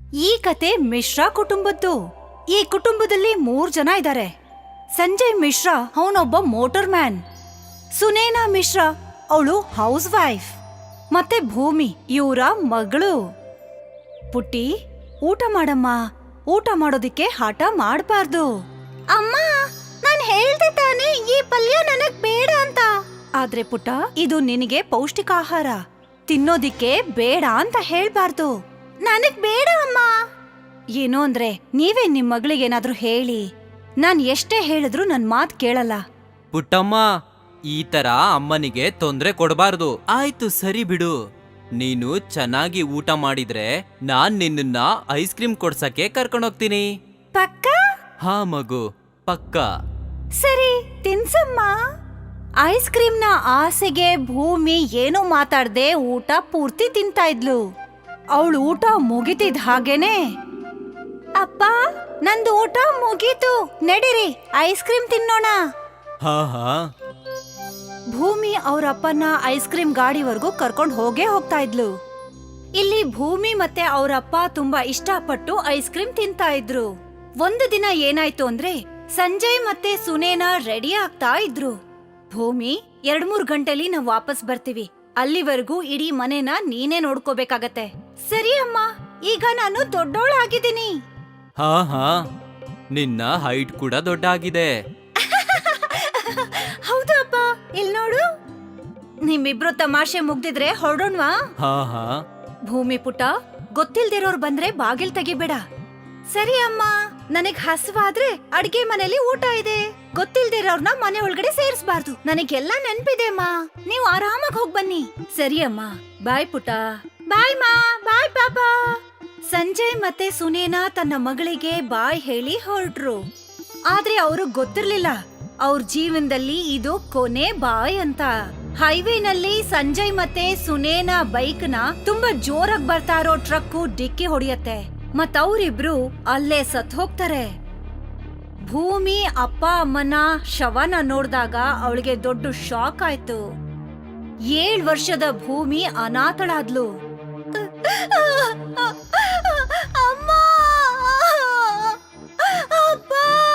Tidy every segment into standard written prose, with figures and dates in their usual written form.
ಈ ಕತೆ ಮಿಶ್ರಾ ಕುಟುಂಬದ್ದು. ಈ ಕುಟುಂಬದಲ್ಲಿ 3 ಜನ ಇದ್ದಾರೆ. ಸಂಜಯ್ ಮಿಶ್ರಾ ಅವನೊಬ್ಬ ಮೋಟರ್ ಮ್ಯಾನ್. ಸುನೇನಾ ಮಿಶ್ರಾ ಅವಳು ಹೌಸ್ ವೈಫ್. ಮತ್ತೆ ಭೂಮಿ ಇವರ ಮಗಳು. ಪುಟ್ಟಿ, ಊಟ ಮಾಡಮ್ಮ. ಊಟ ಮಾಡೋದಿಕ್ಕೆ ಹಠ ಮಾಡಬಾರ್ದು. ಅಮ್ಮ, ನಾನ್ ಹೇಳ್ದೆ ತಾನೆ ಈ ಪಲ್ಯ ನನಗ್ ಬೇಡ ಅಂತ. ಆದ್ರೆ ಪುಟ್ಟ, ಇದು ನಿನಗೆ ಪೌಷ್ಟಿಕ ಆಹಾರ. ತಿನ್ನೋದಿಕ್ಕೆ ಬೇಡ ಅಂತ ಹೇಳ್ಬಾರ್ದು. ನನಗ್ ಬೇಡ ಅಮ್ಮ. ಏನೋ ಅಂದ್ರೆ ನೀವೇ ನಿಮ್ ಮಗಳಿಗೇನಾದ್ರೂ ಹೇಳಿ. ನಾನ್ ಎಷ್ಟೇ ಹೇಳಿದ್ರು ನನ್ ಮಾತ್ ಕೇಳಲ್ಲ. ಪುಟ್ಟಮ್ಮ, ಈ ತರ ಅಮ್ಮನಿಗೆ ತೊಂದ್ರೆ ಕೊಡಬಾರ್ದು. ಆಯ್ತು, ಸರಿ ಬಿಡು. ನೀನು ಚೆನ್ನಾಗಿ ಊಟ ಮಾಡಿದ್ರೆ ನಾನ್ ನಿನ್ನ ಐಸ್ ಕ್ರೀಮ್ ಕೊಡ್ಸಕ್ಕೆ ಕರ್ಕೊಂಡೋಗ್ತೀನಿ. ಪಕ್ಕ? ಹಾ ಮಗು, ಪಕ್ಕ. ಸರಿ, ತಿನ್ಸಮ್ಮ. ಐಸ್ ಕ್ರೀಮ್ನ ಆಸೆಗೆ ಭೂಮಿ ಏನೂ ಮಾತಾಡ್ದೆ ಊಟ ಪೂರ್ತಿ ತಿಂತಾ ಇದ್ಲು. ಅವಳು ಊಟ ಮುಗಿತಿದ್ ಹಾಗೇನೆ, ಅಪ್ಪ ನಂದು ಊಟ ಮುಗೀತು, ನಡೀರಿ ಐಸ್ ಕ್ರೀಮ್ ತಿನ್ನೋಣ. ಹಾ ಹಾ. ಭೂಮಿ ಅವರಪ್ಪನ ಐಸ್ ಕ್ರೀಮ್ ಗಾಡಿವರೆಗೂ ಕರ್ಕೊಂಡು ಹೋಗ್ತಾ ಇದ್ಲು. ಇಲ್ಲಿ ಭೂಮಿ ಮತ್ತೆ ಅವರಪ್ಪ ತುಂಬಾ ಇಷ್ಟಪಟ್ಟು ಐಸ್ ಕ್ರೀಮ್ ತಿಂತಾ ಇದ್ರು. ಒಂದು ದಿನ ಏನಾಯ್ತು ಅಂದ್ರೆ, ಸಂಜಯ್ ಮತ್ತೆ ಸುನೇನಾ ರೆಡಿ ಆಗ್ತಾ ಇದ್ರು. ಭೂಮಿ, 2-3 ಗಂಟೆಲಿ ನಾವ್ ವಾಪಸ್ ಬರ್ತೀವಿ. ಅಲ್ಲಿವರೆಗೂ ಇಡೀ ಮನೆನ ನೀನೇ ನೋಡ್ಕೋಬೇಕಾಗತ್ತೆ. ಸರಿ ಅಮ್ಮ, ಈಗ ನಾನು ದೊಡ್ಡೋಳಾಗಿದ್ದೀನಿ. ಹಾ ಹಾ, ನಿನ್ನ ಹೈಟ್ ಕೂಡ ದೊಡ್ಡ ಆಗಿದೆ. ಹೌದು ಅಪ್ಪ, ಇಲ್ ನೋಡು. ನಿಮ್ಮಿಬ್ರು ತಮಾಷೆ ಮುಗ್ದಿದ್ರೆ ಹೊರಡೋಣ್ವಾ? ಹಾ ಹಾ. ಭೂಮಿ ಪುಟ್ಟ, ಗೊತ್ತಿಲ್ದಿರೋರ್ ಬಂದ್ರೆ ಬಾಗಿಲ್ ತೆಗಿಬೇಡ. ಸರಿ ಅಮ್ಮ, ನನಗ್ ಹಸುವಾದ್ರೆ ಅಡ್ಗೆ ಮನೇಲಿ ಊಟ ಇದೆ. ಗೊತ್ತಿಲ್ದಿರೋರ್ನ ಮನೆ ಒಳಗಡೆ ಸೇರಿಸಬಾರ್ದು. ನನಗೆಲ್ಲ ನೆನ್ಪಿದೆ ಅಮ್ಮ, ನೀವು ಆರಾಮಾಗಿ ಹೋಗ್ ಬನ್ನಿ. ಸರಿ ಅಮ್ಮ, ಬಾಯ್ ಪುಟ್ಟ. ಬಾಯ್ ಮಾ, ಬಾಯ್ ಪಾಪಾ. ಸಂಜಯ್ ಮತ್ತೆ ಸುನೇನಾ ತನ್ನ ಮಗಳಿಗೆ ಬಾಯ್ ಹೇಳಿ ಹೊರಟ್ರು. ಆದ್ರೆ ಅವ್ರಿಗೆ ಗೊತ್ತಿರ್ಲಿಲ್ಲ ಅವ್ರ ಜೀವನದಲ್ಲಿ ಇದು ಕೊನೆ ಬಾಯ್ ಅಂತ. ಹೈವೇನಲ್ಲಿ ಸಂಜಯ್ ಮತ್ತೆ ಸುನೇನಾ ಬೈಕ್ನ ತುಂಬಾ ಜೋರಾಗಿ ಬರ್ತಾ ಇರೋ ಟ್ರಕ್ಕು ಡಿಕ್ಕಿ ಹೊಡೆಯತ್ತೆ. ಮತ್ತವ್ರಿಬ್ರು ಅಲ್ಲೇ ಸತ್ ಹೋಗ್ತಾರೆ. ಭೂಮಿ ಅಪ್ಪ ಅಮ್ಮನ ಶವನ ನೋಡ್ದಾಗ ಅವಳಿಗೆ ದೊಡ್ಡ ಶಾಕ್ ಆಯ್ತು. 7 ವರ್ಷದ ಭೂಮಿ ಅನಾಥಳಾದ್ಲು. ಅಮ್ಮ, ಅಪ್ಪ.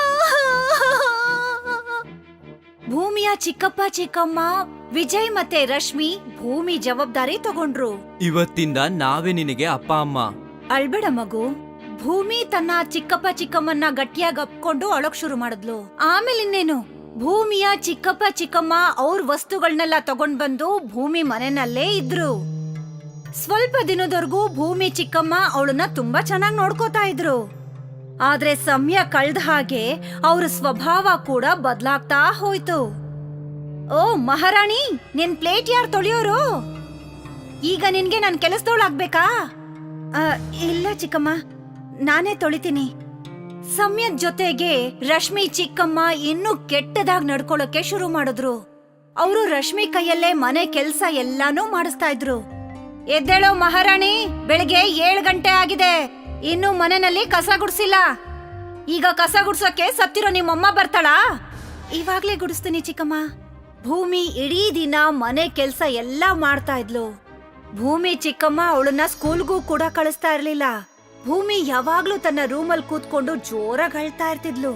ಭೂಮಿಯ ಚಿಕ್ಕಪ್ಪ ಚಿಕ್ಕಮ್ಮ ವಿಜಯ್ ಮತ್ತೆ ರಶ್ಮಿ ಭೂಮಿ ಜವಾಬ್ದಾರಿ ತಗೊಂಡ್ರು. ಇವತ್ತಿಂದ ನಾವೇ ನಿನಗೆ ಅಪ್ಪ ಅಮ್ಮ. ಅಳ್ಬೇಡ ಮಗು. ಭೂಮಿ ತನ್ನ ಚಿಕ್ಕಪ್ಪ ಚಿಕ್ಕಮ್ಮನ್ನ ಗಟ್ಟಿಯಾಗಿ ಅಪ್ಕೊಂಡು ಅಳಕ್ ಶುರು ಮಾಡಿದ್ಲು. ಆಮೇಲೆ ಇನ್ನೇನು, ಭೂಮಿಯ ಚಿಕ್ಕಪ್ಪ ಚಿಕ್ಕಮ್ಮ ಅವ್ರ ವಸ್ತುಗಳನ್ನೆಲ್ಲ ತಗೊಂಡ್ ಬಂದು ಭೂಮಿ ಮನೆಯಲ್ಲೇ ಇದ್ರು. ಸ್ವಲ್ಪ ದಿನದವರೆಗೂ ಭೂಮಿ ಚಿಕ್ಕಮ್ಮ ಅವಳನ್ನ ತುಂಬಾ ಚೆನ್ನಾಗಿ ನೋಡ್ಕೋತಾ ಇದ್ರು. ಆದ್ರೆ ಸಮಯ ಕಳ್ದ ಹಾಗೆ ಅವ್ರ ಸ್ವಭಾವ ಕೂಡ ಬದ್ಲಾಗ್ತಾ ಹೋಯ್ತು. ಓ ಮಹಾರಾಣಿ, ನಿನ್ ಪ್ಲೇಟ್ ಯಾರು ತೊಳೆಯೋರು? ಈಗ ನಿನ್ಗೆ ನನ್ ಕೆಲಸದವಳಾಗ್ಬೇಕಾ? ಇಲ್ಲ ಚಿಕ್ಕಮ್ಮ, ನಾನೇ ತೊಳಿತೀನಿ. ಸಮಯದ ಜೊತೆಗೆ ರಶ್ಮಿ ಚಿಕ್ಕಮ್ಮ ಇನ್ನೂ ಕೆಟ್ಟದಾಗ್ ನಡ್ಕೊಳಕ್ಕೆ ಶುರು ಮಾಡಿದ್ರು. ಅವರು ರಶ್ಮಿ ಕೈಯಲ್ಲೇ ಮನೆ ಕೆಲ್ಸ ಎಲ್ಲಾನು ಮಾಡಿಸ್ತಾ ಇದ್ರು. ಎದ್ದೇಳೋ ಮಹಾರಾಣಿ, ಬೆಳಿಗ್ಗೆ 7 ಗಂಟೆ ಆಗಿದೆ, ಇನ್ನು ಮನೆಯಲ್ಲಿ ಕಸ ಗುಡ್ಸಿಲ್ಲ. ಈಗ ಕಸ ಗುಡ್ಸೋಕೆ ಸತ್ತಿರೋ ನಿಮ್ಮಮ್ಮ ಬರ್ತಾಳಾ? ಇವಾಗ್ಲೇ ಗುಡಿಸ್ತೀನಿ ಚಿಕ್ಕಮ್ಮ. ಭೂಮಿ ಇಡೀ ದಿನ ಮನೆ ಕೆಲ್ಸ ಎಲ್ಲಾ ಮಾಡ್ತಾ ಇದ್ಲು. ಭೂಮಿ ಚಿಕ್ಕಮ್ಮ ಅವಳನ್ನ ಸ್ಕೂಲ್ಗೂ ಕೂಡ ಕಳಿಸ್ತಾ ಇರ್ಲಿಲ್ಲ. ಭೂಮಿ ಯಾವಾಗ್ಲೂ ತನ್ನ ರೂಮಲ್ಲಿ ಕೂತ್ಕೊಂಡು ಜೋರಾಗಿ ಅಳ್ತಾ ಇರ್ತಿದ್ಲು.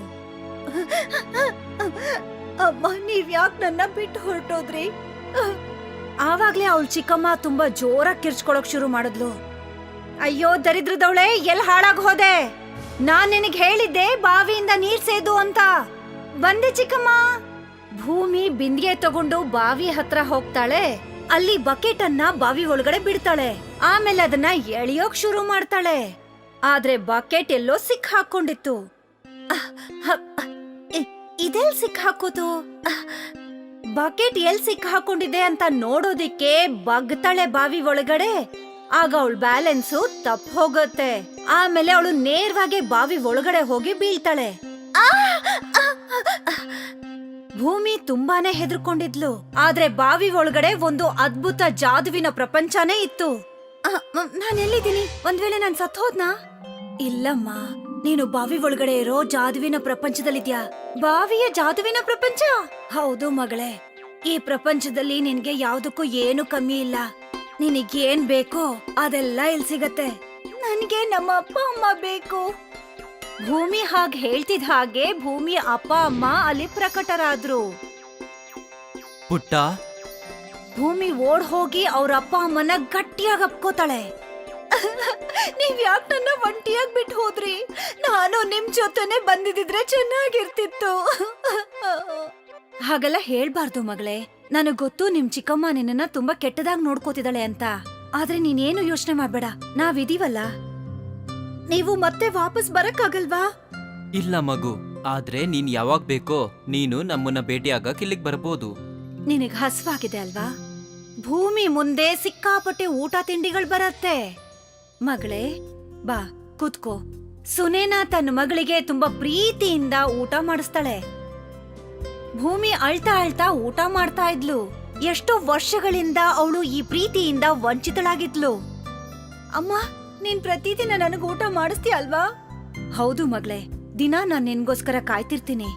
ಅಮ್ಮ, ನೀವ್ ಯಾಕೆ ನನ್ನ ಬಿಟ್ಟು ಹೊರಟೋದ್ರಿ? ಆವಾಗ್ಲೇ ಅವಳ ಚಿಕ್ಕಮ್ಮ ತುಂಬಾ ಜೋರಾಗಿ ಕಿರ್ಚ್ಕೊಳಕ್ ಶುರು ಮಾಡಿದ್ಲು. ಅಯ್ಯೋ ದರಿದ್ರದವಳೆ, ಎಲ್ ಹಾಳಾಗ್ ಹೋದೆ? ನಾನ್ ನಿನಗ್ ಹೇಳಿದ್ದೆ ಬಾವಿಯಿಂದ ನೀರ್ ಸೇದು ಅಂತ. ಬಂದೆ ಚಿಕ್ಕಮ್ಮ. ಭೂಮಿ ಬಿಂದಿಗೆ ತಗೊಂಡು ಬಾವಿ ಹತ್ರ ಹೋಗ್ತಾಳೆ. ಅಲ್ಲಿ ಬಕೆಟ್ ಅನ್ನ ಬಾವಿ ಒಳಗಡೆ ಬಿಡ್ತಾಳೆ. ಆಮೇಲೆ ಅದನ್ನ ಎಳಿಯೋಕ್ ಶುರು ಮಾಡ್ತಾಳೆ. ಆದ್ರೆ ಬಕೆಟ್ ಎಲ್ಲೋ ಸಿಕ್ ಹಾಕೊಂಡಿತ್ತು. ಇದೆಲ್ ಸಿಕ್ ಹಾಕೋದು? ಬಕೆಟ್ ಎಲ್ ಸಿಕ್ ಹಾಕೊಂಡಿದೆ ಅಂತ ನೋಡೋದಿಕ್ಕೆ ಬಗ್ತಾಳೆ ಬಾವಿ ಒಳಗಡೆ. ಆಗ ಅವಳ ಬ್ಯಾಲೆನ್ಸು ತಪ್ಪ ಹೋಗುತ್ತೆ. ಆಮೇಲೆ ಅವಳು ನೇರವಾಗಿ ಬಾವಿ ಒಳಗಡೆ ಹೋಗಿ ಬೀಳ್ತಾಳೆ. ಭೂಮಿ ತುಂಬಾನೇ ಹೆದರ್ಕೊಂಡಿದ್ಲು. ಆದ್ರೆ ಬಾವಿ ಒಳಗಡೆ ಒಂದು ಅದ್ಭುತ ಜಾದುವಿನ ಪ್ರಪಂಚನೇ ಇತ್ತು. ನಾನ್ ಎಲ್ಲಿದ್ದೀನಿ? ಒಂದ್ ವೇಳೆ ನಾನ್ ಸತ್ ಹೋದ್ನಾ? ಇಲ್ಲಮ್ಮ, ನೀನು ಬಾವಿ ಒಳಗಡೆ ಇರೋ ಜಾದುವಿನ ಪ್ರಪಂಚದಲ್ಲಿದ್ಯಾ. ಬಾವಿಯ ಜಾದುವಿನ ಪ್ರಪಂಚ? ಹೌದು ಮಗಳೇ. ಈ ಪ್ರಪಂಚದಲ್ಲಿ ನಿನ್ಗೆ ಯಾವ್ದಕ್ಕೂ ಏನು ಕಮ್ಮಿ ಇಲ್ಲ. ನಿನಗೇನ್ ಬೇಕೋ ಅದೆಲ್ಲ ಇಲ್ಲಿ ಸಿಗತ್ತೆ. ನನಗೆ ನಮ್ಮ ಅಪ್ಪ ಅಮ್ಮ ಬೇಕು. ಭೂಮಿ ಹಾಗೆ ಹೇಳ್ತಿದ್ ಹಾಗೆ ಭೂಮಿ ಅಪ್ಪ ಅಮ್ಮ ಅಲ್ಲಿ ಪ್ರಕಟರಾದ್ರು. ಪುಟ್ಟ, ಭೂಮಿ ಓಡ್ ಹೋಗಿ ಅವ್ರ ಅಪ್ಪ ಅಮ್ಮನ ಗಟ್ಟಿಯಾಗಿ ಅಪ್ಕೋತಾಳೆ. ನೀವ್ ಯಾಕೆ ನನ್ನ ಒಂಟಿಯಾಗಿ ಬಿಟ್ಟು ಹೋದ್ರಿ? ನಾನು ನಿಮ್ ಜೊತೆನೆ ಬಂದಿದ್ರೆ ಚೆನ್ನಾಗಿರ್ತಿತ್ತು. ಹಾಗೆಲ್ಲ ಹೇಳ್ಬಾರ್ದು ಮಗಳೇ. ನನಗ್ ಗೊತ್ತು ನಿಮ್ ಚಿಕ್ಕಮ್ಮ ನಿನ್ನ ತುಂಬಾ ಕೆಟ್ಟದಾಗ್ ನೋಡ್ಕೋತಿದ್ದಾಳೆ ಅಂತ. ಆದ್ರೆ ನೀನೇನು ಯೋಚನೆ ಮಾಡ್ಬೇಡ, ನಾವಿದೀವಲ್ಲ. ನೀವು ಮತ್ತೆ ವಾಪಸ್ ಬರಕ್ಕಾಗಲ್ವಾ? ಇಲ್ಲ ಮಗು, ಆದ್ರೆ ನೀನ್ ಯಾವಾಗ ಬೇಕೋ ನೀನು ನಮ್ಮನ್ನ ಭೇಟಿಯಾಗಕ್ ಇಲ್ಲಿಗ್ ಬರ್ಬೋದು. ನಿನಗ್ ಹಸ್ವಾಗಿದೆ ಅಲ್ವಾ? ಭೂಮಿ ಮುಂದೆ ಸಿಕ್ಕಾಪಟ್ಟೆ ಊಟ ತಿಂಡಿಗಳು ಬರತ್ತೆ. ಮಗಳೇ ಬಾ ಕೂತ್ಕೋ. ಸುನೇನಾ ತನ್ನ ಮಗಳಿಗೆ ತುಂಬಾ ಪ್ರೀತಿಯಿಂದ ಊಟ ಮಾಡಿಸ್ತಾಳೆ. ಭೂಮಿ ಅಳ್ತಾ ಅಳ್ತಾ ಊಟ ಮಾಡ್ತಾ ಇದ್ಲು. ಎಷ್ಟೋ ವರ್ಷಗಳಿಂದ ಅವಳು ಈ ಪ್ರೀತಿಯಿಂದ ವಂಚಿತಳಾಗಿದ್ಲು. ಅಮ್ಮ, ನೀನ್ ಪ್ರತಿದಿನ ನನಗ್ ಊಟ ಮಾಡಿಸ್ತೀಯ ಅಲ್ವಾ? ಹೌದು ಮಗಳೇ, ದಿನ ನಾನ್ ನಿನ್ಗೋಸ್ಕರ ಕಾಯ್ತಿರ್ತೀನಿ.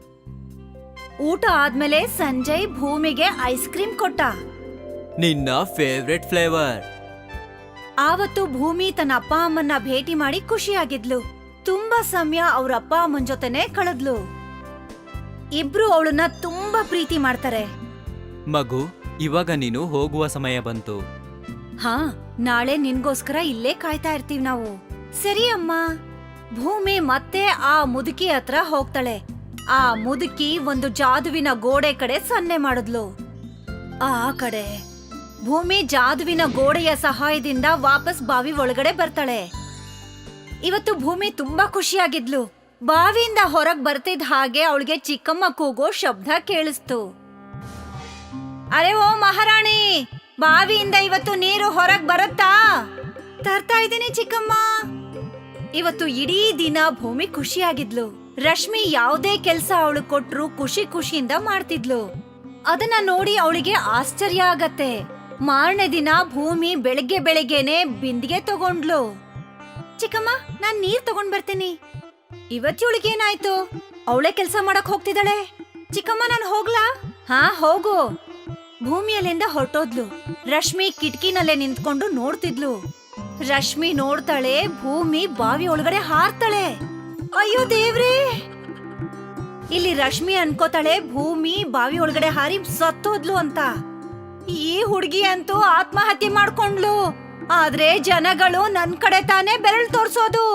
ಊಟ ಆದ್ಮೇಲೆ ಸಂಜಯ್ ಭೂಮಿಗೆ ಐಸ್ ಕ್ರೀಮ್ ಕೊಟ್ಟ. ನಿನ್ನ ಫೇವ್ರೆಟ್ ಫ್ಲೇವರ್. ಆವತ್ತು ಭೂಮಿ ತನ್ನ ಅಪ್ಪ ಅಮ್ಮನ್ನ ಭೇಟಿ ಮಾಡಿ ಖುಷಿಯಾಗಿದ್ಲು. ತುಂಬಾ ಸಮಯ ಅವ್ರ ಅಪ್ಪ ಅಮ್ಮನ್ ಜೊತೆನೆ ಕಳೆದ್ಲು. ಇಬ್ರು ಅವಳನ್ನ ತುಂಬಾ ಪ್ರೀತಿ ಮಾಡ್ತಾರೆ. ಮಗು, ಇವಾಗ ನೀನು ಹೋಗುವ ಸಮಯ ಬಂತು. ಹಾ, ನಾಳೆ ನಿನ್ಗೋಸ್ಕರ ಇಲ್ಲೇ ಕಾಯ್ತಾ ಇರ್ತೀವಿ ನಾವು. ಸರಿ ಅಮ್ಮ. ಭೂಮಿ ಮತ್ತೆ ಆ ಮುದುಕಿ ಹತ್ರ ಹೋಗ್ತಾಳೆ. ಆ ಮುದುಕಿ ಒಂದು ಜಾದುವಿನ ಗೋಡೆ ಕಡೆ ಸನ್ನೆ ಮಾಡಿದ್ಲು. ಆ ಕಡೆ ಭೂಮಿ ಜಾದುವಿನ ಗೋಡೆಯ ಸಹಾಯದಿಂದ ವಾಪಸ್ ಬಾವಿ ಒಳಗಡೆ ಬರ್ತಾಳೆ. ಇವತ್ತು ಭೂಮಿ ತುಂಬಾ ಖುಷಿಯಾಗಿದ್ಲು. ಬಾವಿಯಿಂದ ಹೊರಗ್ ಬರ್ತಿದ್ ಹಾಗೆ ಅವಳಿಗೆ ಚಿಕ್ಕಮ್ಮ ಕೂಗೋ ಶಬ್ದ ಕೇಳಿಸ್ತು. ಅರೆ ಓ ಮಹಾರಾಣಿ, ಬಾವಿಯಿಂದ ಇವತ್ತು ನೀರು ಹೊರಗ್ ಬರುತ್ತಾ? ತರ್ತಾ ಇದ್ದೀನಿ ಚಿಕ್ಕಮ್ಮ. ಇವತ್ತು ಇಡೀ ದಿನ ಭೂಮಿ ಖುಷಿಯಾಗಿದ್ಲು. ರಶ್ಮಿ ಯಾವುದೇ ಕೆಲ್ಸ ಅವಳು ಕೊಟ್ರು ಖುಷಿಯಿಂದ ಮಾಡ್ತಿದ್ಲು. ಅದನ್ನ ನೋಡಿ ಅವಳಿಗೆ ಆಶ್ಚರ್ಯ ಆಗತ್ತೆ. ಮಾರನೇ ದಿನ ಭೂಮಿ ಬೆಳಗ್ಗೆನೆ ಬಿಂದಿಗೆ ತಗೊಂಡ್ಲು. ಚಿಕ್ಕಮ್ಮ, ನಾನ್ ನೀರ್ ತಗೊಂಡ್ ಬರ್ತೀನಿ. ಇವತ್ತಿವಳಿಗೇನಾಯ್ತು? ಅವಳೇ ಕೆಲ್ಸ ಮಾಡಕ್ ಹೋಗ್ತಿದ್ದಾಳೆ. ಚಿಕ್ಕಮ್ಮ, ನಾನ್ ಹೋಗ್ಲಾ? ಹಾ ಹೋಗು. ಭೂಮಿ ಅಲ್ಲಿಂದ ಹೊರಟೋದ್ಲು. ರಶ್ಮಿ ಕಿಟಕಿನಲ್ಲೇ ನಿಂತ್ಕೊಂಡು ನೋಡ್ತಿದ್ಲು. ರಶ್ಮಿ ನೋಡ್ತಾಳೆ, ಭೂಮಿ ಬಾವಿ ಒಳಗಡೆ ಹಾರ್ತಾಳೆ. ಅಯ್ಯೋ ದೇವ್ರೇ! ಇಲ್ಲಿ ರಶ್ಮಿ ಅನ್ಕೋತಾಳೆ ಭೂಮಿ ಬಾವಿ ಒಳಗಡೆ ಹಾರಿ ಸತ್ತೋದ್ಲು ಅಂತ. ಈ ಹುಡುಗಿ ಅಂತೂ ಆತ್ಮಹತ್ಯೆ ಮಾಡ್ಕೊಂಡ್ಲು. ಆದ್ರೆ ಜನಗಳು ನನ್ ಕಡೆ ತಾನೇ ಬೆರಳು ತೋರ್ಸೋದು.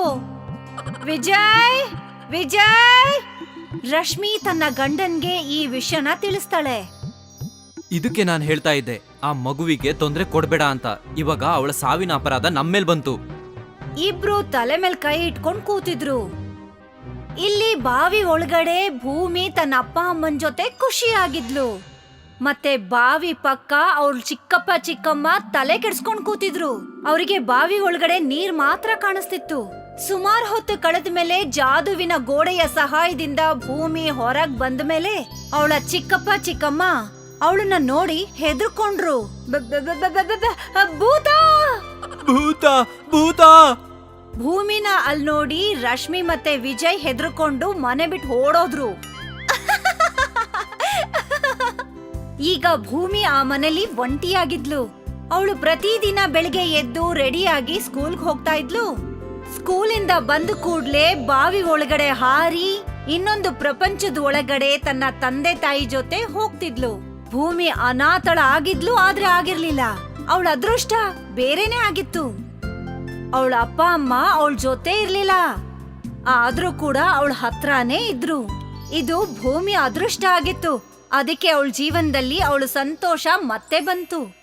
ವಿಜಯ್, ವಿಜಯ್! ರಶ್ಮಿ ತನ್ನ ಗಂಡನ್ಗೆ ಈ ವಿಷಯನ ತಿಳಿಸ್ತಾಳೆ. ಇದಕ್ಕೆ ನಾನ್ ಹೇಳ್ತಾ ಇದ್ದೆ, ಆ ಮಗುವಿಗೆ ತೊಂದ್ರೆ ಕೊಡ್ಬೇಡ ಅಂತ. ಇವಾಗ ಅವಳ ಸಾವಿನ ಅಪರಾಧ ನಮ್ಮೇಲ್ ಬಂತು. ಇಬ್ರು ತಲೆ ಮೇಲ್ ಕೈ ಇಟ್ಕೊಂಡ್ ಕೂತಿದ್ರು. ಇಲ್ಲಿ ಬಾವಿ ಒಳಗಡೆ ಭೂಮಿ ತನ್ನ ಅಪ್ಪ ಅಮ್ಮನ್ ಜೊತೆ ಖುಷಿಯಾಗಿದ್ಲು. ಮತ್ತೆ ಬಾವಿ ಪಕ್ಕ ಅವ್ರ ಚಿಕ್ಕಪ್ಪ ಚಿಕ್ಕಮ್ಮ ತಲೆ ಕೆಡ್ಸ್ಕೊಂಡ್ ಕೂತಿದ್ರು. ಅವರಿಗೆ ಬಾವಿ ಒಳಗಡೆ ನೀರ್ ಮಾತ್ರ ಕಾಣಿಸ್ತಿತ್ತು. ಸುಮಾರು ಹೊತ್ತು ಕಳೆದ ಮೇಲೆ ಜಾದುವಿನ ಗೋಡೆಯ ಸಹಾಯದಿಂದ ಭೂಮಿ ಹೊರಗ್ ಬಂದ ಮೇಲೆ ಅವಳ ಚಿಕ್ಕಪ್ಪ ಚಿಕ್ಕಮ್ಮ ಅವಳನ್ನ ನೋಡಿ ಹೆದರ್ಕೊಂಡ್ರು. ಭೂತ! ಭೂತ! ಭೂತ! ಭೂಮಿನ ಅಲ್ಲಿ ನೋಡಿ ರಶ್ಮಿ ಮತ್ತೆ ವಿಜಯ್ ಹೆದರ್ಕೊಂಡು ಮನೆ ಬಿಟ್ಟು ಓಡೋದ್ರು. ಈಗ ಭೂಮಿ ಆ ಮನೇಲಿ ಒಂಟಿಯಾಗಿದ್ಲು. ಅವಳು ಪ್ರತಿದಿನ ಬೆಳಿಗ್ಗೆ ಎದ್ದು ರೆಡಿಯಾಗಿ ಸ್ಕೂಲ್ಗೆ ಹೋಗ್ತಾ ಇದ್ಲು. ಸ್ಕೂಲಿಂದ ಬಂದ ಕೂಡ್ಲೆ ಬಾವಿ ಒಳಗಡೆ ಹಾರಿ ಇನ್ನೊಂದು ಪ್ರಪಂಚದ ಒಳಗಡೆ ತನ್ನ ತಂದೆ ತಾಯಿ ಜೊತೆ ಹೋಗ್ತಿದ್ಲು. ಭೂಮಿ ಅನಾಥಳ ಆಗಿದ್ಲು, ಆದ್ರೆ ಆಗಿರ್ಲಿಲ್ಲ. ಅವಳ ಅದೃಷ್ಟ ಬೇರೆನೆ ಆಗಿತ್ತು. ಅವಳ ಅಪ್ಪ ಅಮ್ಮ ಅವಳ ಜೊತೆ ಇರ್ಲಿಲ್ಲ, ಆದ್ರೂ ಕೂಡ ಅವಳ ಹತ್ರನೇ ಇದ್ರು. ಇದು ಭೂಮಿ ಅದೃಷ್ಟ ಆಗಿತ್ತು. ಅದಕ್ಕೆ ಅವಳ ಜೀವನದಲ್ಲಿ ಅವಳು ಸಂತೋಷ ಮತ್ತೆ ಬಂತು.